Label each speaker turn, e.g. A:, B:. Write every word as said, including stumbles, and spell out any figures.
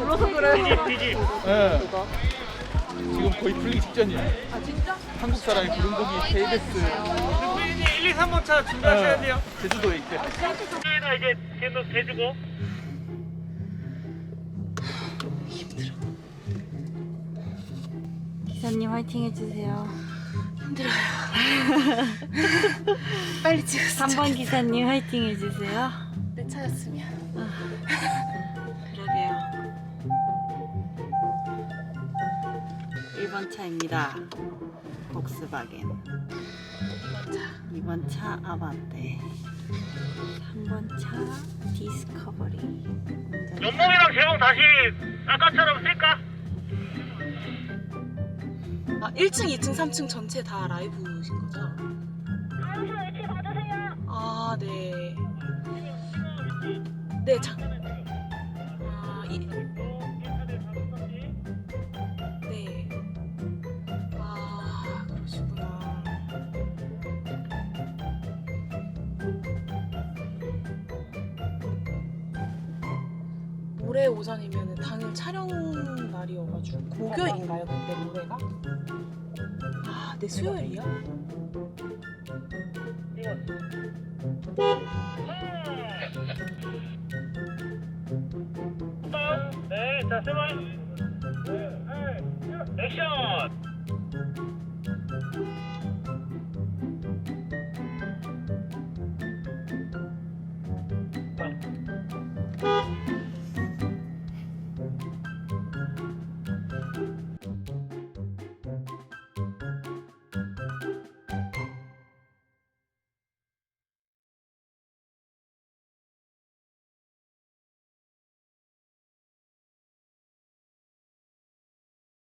A: 불러서 그래.
B: 피지.
C: 예.
A: 그거.
C: 지금 거의 풀리기 직전이야.
A: 아 진짜?
C: 한국 사람이 부른 곡이 케이비에스
B: 피디님 일, 이, 삼 번 차 준비하셔야 돼요.
C: 제주도에 있대.
B: 여기가 이제 계속 대주고.
A: 기사님 화이팅 해주세요.
D: 빨리 찍었어.
A: 삼 번 기사님 화이팅 해주세요.
D: 내 차였으면.
A: 그러게요. 일 번 차입니다. 복스바겐. 이 번 차 아반떼. 삼 번 차 디스커버리.
B: 연봉이랑 제목 다시 아까처럼 쓸까?
D: 아, 일 층, 이 층, 삼 층 전체 다 라이브신 거죠? 아, 네. 네, 장. 아, 이. 네. 아, 그러시구나. 모레 오전이면 당일 촬영 날이어가지고 목요일인가요 그때 모레가? 아, 네 수요일이요?
B: 네, 자, 세 번. 액션!